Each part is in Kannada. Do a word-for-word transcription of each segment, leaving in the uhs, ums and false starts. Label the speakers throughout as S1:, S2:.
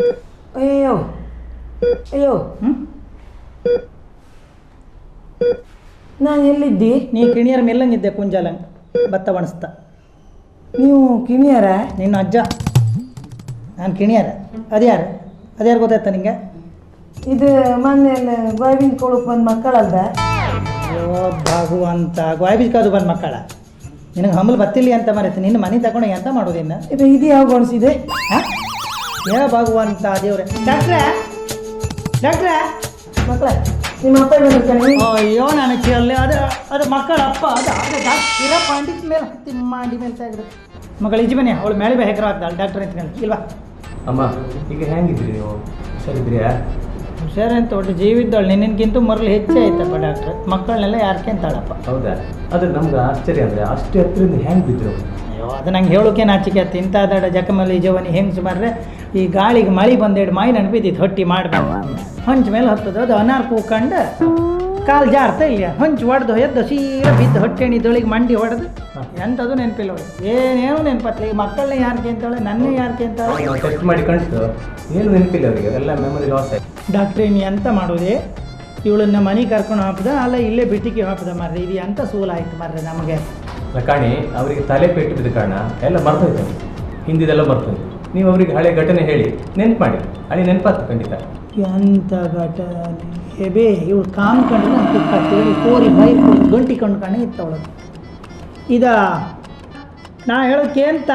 S1: ಅಯ್ಯೋ ಅಯ್ಯೋ
S2: ಹ್ಞೂ
S1: ನಾನು ಎಲ್ಲಿದ್ದಿ?
S2: ನೀ ಕಿಣಿಯರ ಮೆಲ್ಲಂಗಿದ್ದೆ ಕುಂಜಾಲ ಭತ್ತ ಒಣಸ್ತಾ.
S1: ನೀವು ಕಿಣಿಯರ?
S2: ನಿನ್ನ ಅಜ್ಜ. ನಾನು ಕಿಣಿಯರ. ಅದ್ಯಾರು ಅದ್ಯಾರು ಗೊತ್ತಾಯ್ತಾ ನಿಂಗೆ?
S1: ಇದು ಮೊನ್ನೆ ಗೋವಿಂದ ಕೊಳಕ್ಕೆ ಬಂದ ಮಕ್ಕಳಲ್ದ?
S2: ಅಯ್ಯೋ ಭಗವಂತ ಗೋಯ್ಬಿಕಾದು ಬಂದ ಮಕ್ಕಳ. ನಿನಗೆ ಹಂಬಲ್ ಬತ್ತಿಲ್ಲ ಅಂತ ಮರೆತು ನಿನ್ನ ಮನೆ ತಗೊಂಡು ಎಂತ ಮಾಡೋದಿನ್ನ?
S1: ಇದು ಇದು ಯಾವ ಗೊಣಿಸಿದೆ?
S2: ಹಾಂ ಏ ಭಗವಂತ ದೇವ್ರೆ. ಡಾಕ್ಟ್ರೇ ಡಾಕ್ಟ್ರೇ
S1: ಮಕ್ಕಳ ನಿಮ್ಮ ಅಪ್ಪ ಬಂದಿರ್ತಾನೆ.
S2: ಅಯ್ಯೋ ನಾನು ಕೇಳಲಿ. ಅದು ಅದು ಮಕ್ಕಳ ಅಪ್ಪ ಅದು ಅದು ಡಾಕ್ಟರ್ ಪಾಂಡಿತ್ ಮೇಲೆ ಹತ್ತಿ ಮಾಡಿ ಮೇಲೆ ತೆಗೆದು ಮಗಳು ಇಜಿ ಬನ್ನಿ ಅವಳು ಮೇಲೆ ಬೇ ಹೆಗ್ರ ಆಗ್ತಾಳೆ ಡಾಕ್ಟರ್ ಅಂತ ಇಲ್ವಾ?
S3: ಅಮ್ಮ ಈಗ ಹೆಂಗಿದ್ರಿ ನೀವು? ಹುಷಾರಿದ್ರಿಯಾ?
S2: ಹುಷಾರು ಅಂತ ಒಟ್ಟು ಜೀವಿದ್ದವಳು ನಿನ್ನಕ್ಕಿಂತ ಮರಳು ಹೆಚ್ಚೇ ಆಯ್ತಪ್ಪ ಡಾಕ್ಟ್ರ್. ಮಕ್ಕಳನ್ನೆಲ್ಲ ಯಾರಕ್ಕೆ ಅಂತಾಳಪ್ಪ.
S3: ಹೌದಾ? ಆದರೆ ನಮ್ಗೆ ಆಶ್ಚರ್ಯ ಅಂದರೆ ಅಷ್ಟು ಹತ್ತಿರದಿಂದ ಹೆಂಗೆ ಬಿದ್ದರು?
S2: ಅಯ್ಯೋ ಅದು ನಂಗೆ ಹೇಳೋಕೆ ನಾಚಿಕೆ ಆಯ್ತು. ಇಂಥ ದಡ ಜಕಮಲ್ಲಿ ಜವನಿ ಹೆಂಗೆ ಸುಮಾರ್ರೆ ಈ ಗಾಳಿಗೆ ಮಳೆ ಬಂದೇಡು ಮಾಯಿ ನೆನಪಿದ್ದಿತ್ತು ಹೊಟ್ಟಿ ಮಾಡಬೇಕು ಹೊಂಚ ಮೇಲೆ ಹತ್ತದ ಅದು ಅನಾರ್ ಕೂಕೊಂಡು ಕಾಲು ಜಾರ್ತಾ ಇಲ್ಲ ಹೊಂಚು ಹೊಡೆದು ಎದ್ದು ಸೀರ ಬಿದ್ದು ಹೊಟ್ಟೆಣಿದೊಳಗೆ ಮಂಡಿ ಹೊಡೆದು ಎಂಥದ್ದು ನೆನಪಿಲ್ಲ ಅವಳು. ಏನೇನು ನೆನಪತ್ತಲ್ಲ. ಈ ಮಕ್ಕಳನ್ನ ಯಾರಿಗೆ ಅಂತಾಳೆ ನನ್ನೇ ಯಾರಿಗೆ ಅಂತಾಳೆ.
S3: ಟೆಸ್ಟ್ ಮಾಡಿ ಕಣ್ತು ಏನು ನೆನಪಿಲ್ಲ ಅವರಿಗೆ, ಎಲ್ಲ ಮೆಮೊರಿ ಲಾಸ್ ಆಯ್ತು.
S2: ಡಾಕ್ಟ್ರೇ ನೀ ಎಂತ ಮಾಡೋದೆ? ಇವಳನ್ನ ಮನೆ ಕರ್ಕೊಂಡು ಹಾಕಿದ ಅಲ್ಲ ಇಲ್ಲೇ ಬಿಟ್ಟಿಗೆ ಹಾಕಿದ ಮಾರ್ರೆ. ಇದು ಎಂಥ ಸೂಲಾಯ್ತು ಮಾರ್ರೆ ನಮಗೆ.
S3: ಕಾಣಿ ಅವರಿಗೆ ತಲೆ ಪೆಟ್ಟು ಬಿದ್ದ ಕಾರಣ ಎಲ್ಲ ಮರ್ತೋಯ್ತು. ಹಿಂದಿದೆಲ್ಲ ಮರ್ತೋಯ್ತು. ನೀವು ಅವರಿಗೆ ಹಳೆ ಘಟನೆ ಹೇಳಿ ನೆನ್ಪು ಮಾಡಿ. ಹಳೆ ನೆನಪಾತು ಖಂಡಿತ.
S2: ಎಂಥ ಘಟನೆ ಬೇ ಇವಳು ಕಾಮ್ಕೊಂಡು ಅಂತೇಳಿ ಕೋರಿ ಬೈ ಗಂಟಿ ಕೊಂಡ್ಕೊಂಡು ಇತ್ತವಳು. ಇದ ನಾ ಹೇಳೋಕೆ ಅಂತ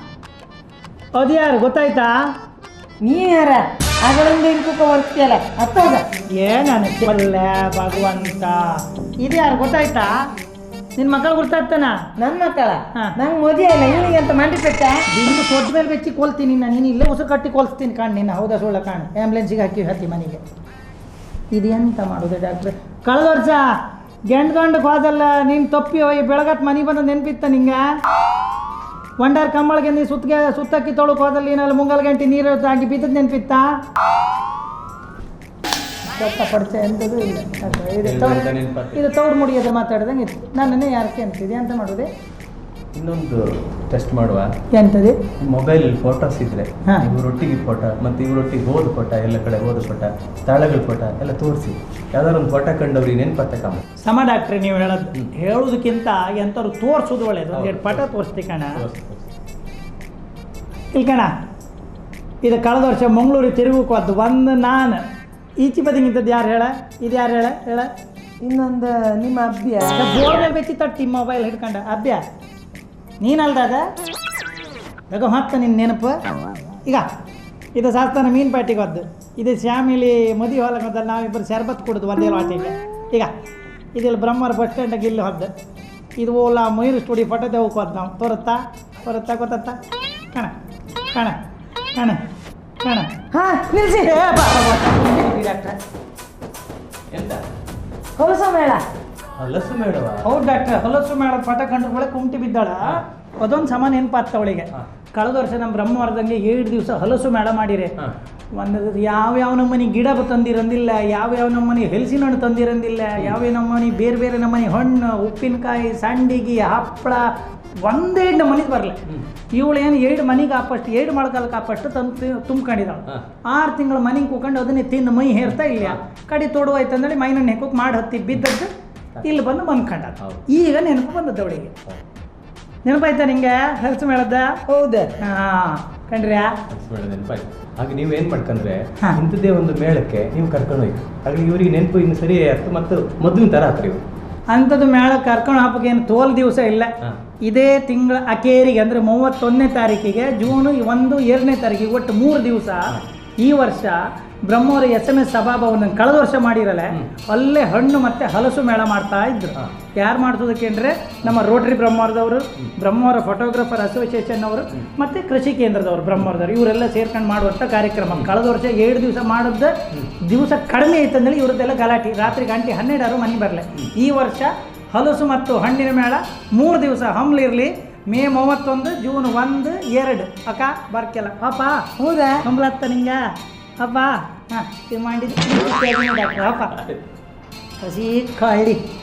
S2: ಅದು ಯಾರು ಗೊತ್ತಾಯ್ತಾ?
S1: ನೀ ಯಾರ ಆಗಳಿಂದ ಇನ್ಕೂಕ ಬರ್ತೀಯಲ್ಲ ಅತ್ತೋದ
S2: ಏನಲ್ಲ ಭಗವಂತ. ಇದು ಯಾರು ಗೊತ್ತಾಯ್ತಾ? ನಿನ್ನ ಮಕ್ಕಳು ಗೊತ್ತಾಗ್ತಾನ?
S1: ನನ್ನ ಮಕ್ಕಳ
S2: ಹಾ.
S1: ನಂಗೆ ಮದುವೆ ಇಲ್ಲ ಇವನಿಗೆ ಅಂತ ಮಂಡಿ ಪೆಟ್ಟ
S2: ನಿನ್ನ ಸೊಡ್ಡ ಮೇಲೆ ಬೆಚ್ಚಿ ಕೊಲ್ತೀನಿ ನಾನು. ನೀನು ಇಲ್ಲೇ ಉಸಿರು ಕಟ್ಟಿ ಕೊಲ್ಸ್ತೀನಿ ಕಾಣ್ ನಿನ್ನ. ಹೌದಾ ಸುಳ್ಳ ಕಾಣ್. ಆ್ಯಂಬುಲೆನ್ಸಿಗೆ ಹಾಕಿ ಹತ್ತಿ ಮನೆಗೆ. ಇದು ಎಂತ ಮಾಡೋದು ಡಾಕ್ಟ್ರೆ? ಕಳೆದ ವರ್ಷ ಗಂಡು ಗಂಡಕ್ಕೆ ಹೋದಲ್ಲ ನೀನು ತಪ್ಪಿ ಹೋಗಿ ಬೆಳಗತ್ತು ಮನೆ ಬಂದು ನೆನಪಿತ್ತ ನಿಂಗೆ? ಒಂಡಾರ್ ಕಂಬಳಿಗೆ ನೀ ಸುತ್ತಿಗೆ ಸುತ್ತಕ್ಕಿ ತೊಳಕ್ಕೆ ಹೋದಲ್ಲಿ ಏನಲ್ಲಿ ಮುಂಗಲ್ ಗಂಟೆ ನೀರು ಆಗಿ ಬಿದ್ದದ್ದು ನೆನಪಿತ್ತಾ? ಪಡಿಸ ಎಂಥದ್ದು ಇಲ್ಲ. ಇದು ತೌಡು ಮುಡಿಯೋದು ಮಾತಾಡ್ದಂಗೆ ಇತ್ತು. ನನ್ನನ್ನೇ ಯಾರಕ್ಕೆ ಅಂತಿದೆ ಅಂತ ಮಾಡೋದೆ?
S3: ಇನ್ನೊಂದು ಟೆಸ್ಟ್ ಮಾಡುವ.
S2: ಎಂಥದ್ದು?
S3: ಮೊಬೈಲ್ ಫೋಟೋಸ್ ಇದ್ರೆ
S2: ಹಾ.
S3: ಇವರೊಟ್ಟಿಗೆ ಫೋಟೋ ಮತ್ತು ಇವರೊಟ್ಟಿಗೆ ಹೋದ ಫೋಟೋ, ಎಲ್ಲ ಕಡೆ ಹೋದ ಫೋಟೋ, ಸ್ಥಳಗಳ ಫೋಟೋ ಎಲ್ಲ ತೋರಿಸಿ ಯಾವ್ದಾದ್ರು ಒಂದು ಫೋಟೋ ಕಂಡವ್ರಿಗೆ ನೆನಪತ್ತಕ್ಕಮ್ಮ.
S2: ಸಮ ಡಾಕ್ಟ್ರೆ ನೀವು ಹೇಳೋದು ಹೇಳೋದಕ್ಕಿಂತ ಎಂಥವ್ರು ತೋರಿಸೋದು ಒಳ್ಳೇದು. ಒಂದು ಎರಡು ಪಟ ತೋರಿಸ್ತಿ ಕಣ. ಇಲ್ಲಿ ಕಣ ಇದು ಕಳೆದ ವರ್ಷ ಮಂಗಳೂರಿಗೆ ತಿರುಗಕ್ಕೆ ಹೋದ್ದು ಒಂದು ನಾನು ಈಚೆ ಬದಿಗಿಂತದ್ದು ಯಾರು ಹೇಳ? ಇದು ಯಾರು ಹೇಳ ಹೇಳ?
S1: ಇನ್ನೊಂದು ನಿಮ್ಮ ಅಭ್ಯ
S2: ಬೋರ್ ಮೇಲೆ ಬೆಚ್ಚಿ ತಟ್ಟಿ ಮೊಬೈಲ್ ಹಿಡ್ಕೊಂಡ ಅಭ್ಯ ನೀನಲ್ದಾಗ ಬೇಗ ಹೊತ್ತ ನಿನ್ನ ನೆನಪು. ಈಗ ಇದು ಶಾಸ್ತಾನ ಮೀನು ಪ್ಯಾಟಿಗೆ ಹೋದ್ದು. ಇದು ಶ್ಯಾಮಿಲಿ ಮದುವೆ ಹೊಲಕ್ಕೆ ಹೋದಲ್ಲಿ ನಾವಿಬ್ಬರು ಶರ್ಬತ್ ಕುಡಿದು ಒಂದೇ ವಾಟಿಗೆ. ಈಗ ಇದೆಲ್ಲ ಬ್ರಹ್ಮರ ಬಸ್ ಸ್ಟ್ಯಾಂಡಾಗ ಇಲ್ಲಿ ಹೋದ್ದು. ಇದು ಓಲಾ ಮಯೂರು ಸ್ಟುಡಿಯೋ ಫೋಟೋ ದೇವಕ್ಕೆ ಹೋದ್ ನಾವು. ತೋರುತ್ತಾ ಬರುತ್ತಾ ಗೊತ್ತಾ? ಕಣ ಕಣ ಕಣ ಕಣ
S1: ಹಾ ನಿಲ್ಸಿ.
S2: ಡಾಕ್ಟ್ರೆ
S3: ಎಂತ
S1: ಹೊಲಸ ಮೇಳ
S3: ಹಲಸು ಮೇಡವ?
S2: ಹೌದು ಡಾಕ್ಟ್ರೆ. ಹೊಲಸು ಮೇಳ ಪಟ ಕಂಡು ಒಳಗೆ ಕುಂಟಿ ಬಿದ್ದಾಳ. ಅದೊಂದು ಸಮ ನೆನಪಾಗ್ತ ಅವಳಿಗೆ. ಕಳೆದ ವರ್ಷ ನಮ್ಮ ಬ್ರಹ್ಮವರದಂಗೆ ಏಳು ದಿವಸ ಹಲಸು ಮೇಳ ಮಾಡಿರಿ. ಒಂದು ಯಾವ್ಯಾವ ನಮ್ಮನೆ ಗಿಡ ತಂದಿರಂದಿಲ್ಲ, ಯಾವ್ಯಾವ ನಮ್ಮನೆ ಹೆಲ್ಸಿನ ಹಣ್ಣು ತಂದಿರಂದಿಲ್ಲ, ಯಾವ್ಯಾವ ನಮ್ಮನೆ ಬೇರೆ ಬೇರೆ ನಮ್ಮನೆ ಹಣ್ಣು, ಉಪ್ಪಿನಕಾಯಿ, ಸಂಡಿಗೆ, ಹಪ್ಪಳ ಒಂದೇ ನಮ್ಮನೆಗೆ ಬರಲ್ಲ. ಇವಳು ಏನು ಏಳು ಮನೆಗೆ ಆಪಷ್ಟು ಏಳು ಮೊಳಕಾಲಕ್ಕೆ ಆಪಷ್ಟು ತಂದು ತುಂಬ್ಕೊಂಡಿದ್ದಾಳು. ಆರು ತಿಂಗಳು ಮನೆಗೆ ಕೂಕೊಂಡು ಅದನ್ನೇ ತಿಂದು ಮೈ ಹೇರ್ತಾ ಇಲ್ಲ. ಕಡೆ ತೊಡುವಾಯ್ತು ಅಂದೇಳಿ ಮೈನ ನೆಕ್ಕೋಕೆ ಮಾಡಿ ಹತ್ತಿ ಬಿದ್ದದ್ದು ಇಲ್ಲಿ ಬಂದು ಬಂದ್ಕೊಂಡ. ಈಗ ನೆನಪು ಬಂದದ್ದು ಅವಳಿಗೆ. ನೆನಪಾಯ್ತಾ ನಿಂಗೆ ಹಲಸು ಮೇಳದ?
S1: ಹೌದು.
S2: ಹಾಂ ಕಂಡ್ರ್ಯಾ?
S3: ನೆನಪಾಯ್ತು. ಹಾಗೆ ನೀವು ಏನು ಮಾಡ್ಕೊಂಡ್ರೆ ಇಂಥದ್ದೇ ಒಂದು ಮೇಳಕ್ಕೆ ನೀವು ಕರ್ಕೊಂಡು ಹೋಯ್ತು. ಹಾಗೆ ಇವರಿಗೆ ನೆನಪು ಇನ್ನು ಸರಿ ಆಯ್ತು ಮತ್ತು ಮೊದಲಿನ ಥರ ಆತ್ರಿ ಇವರು.
S2: ಅಂಥದ್ದು ಮೇಳ ಕರ್ಕೊಂಡು ಹಾಕೋಕೆ ಏನು ತೋಲ್ ದಿವಸ ಇಲ್ಲ. ಇದೇ ತಿಂಗಳ ಅಕೇರಿಗೆ ಅಂದರೆ ಮೂವತ್ತೊಂದನೇ ತಾರೀಕಿಗೆ ಜೂನ್ ಒಂದು ಎರಡನೇ ತಾರೀಕಿಗೆ ಒಟ್ಟು ಮೂರು ದಿವಸ ಈ ವರ್ಷ ಬ್ರಹ್ಮವರ ಎಸ್ ಎಮ್ ಎಸ್ ಸಭಾಭವನ ಕಳೆದ ವರ್ಷ ಮಾಡಿರಲ್ಲ ಅಲ್ಲೇ ಹಣ್ಣು ಮತ್ತು ಹಲಸು ಮೇಳ ಮಾಡ್ತಾ ಇದ್ರು. ಯಾರು ಮಾಡ್ಸೋದಕ್ಕೆ ಅಂದರೆ ನಮ್ಮ ರೋಟರಿ ಬ್ರಹ್ಮವರದವರು, ಬ್ರಹ್ಮವರ ಫೋಟೋಗ್ರಾಫರ್ ಅಸೋಸಿಯೇಷನ್ ಅವರು ಮತ್ತು ಕೃಷಿ ಕೇಂದ್ರದವರು ಬ್ರಹ್ಮವರದವರು ಇವರೆಲ್ಲ ಸೇರ್ಕೊಂಡು ಮಾಡುವಂಥ ಕಾರ್ಯಕ್ರಮ. ಕಳೆದ ವರ್ಷ ಏಳು ದಿವಸ ಮಾಡಿದ ದಿವಸ ಕಡಿಮೆ ಐತಂದೇಳಿ ಇವ್ರದ್ದೆಲ್ಲ ಗಲಾಟೆ. ರಾತ್ರಿ ಗಂಟೆ ಹನ್ನೆರಡಾರು ಮನೆ ಬರಲೆ. ಈ ವರ್ಷ ಹಲಸು ಮತ್ತು ಹಣ್ಣಿನ ಮೇಳ ಮೂರು ದಿವಸ ಹಮ್ಲಿರಲಿ. ಮೇ ಮೂವತ್ತೊಂದು, ಜೂನ್ ಒಂದು ಎರಡು ಅಕ್ಕ ಬರ್ಕೆಲ್ಲ ಪಾಪ.
S1: ಹೌದಾ?
S2: ಹಂಬಲತ್ತ ನಿಂಗೆ ಅಪ್ಪ ಹಾಂ ಇದು ಮಾಡಿದ್ದು ಡಾಕ್ಟ್ರ ಅಪ್ಪ ಹಸಿ ಕಳ್ಳಿ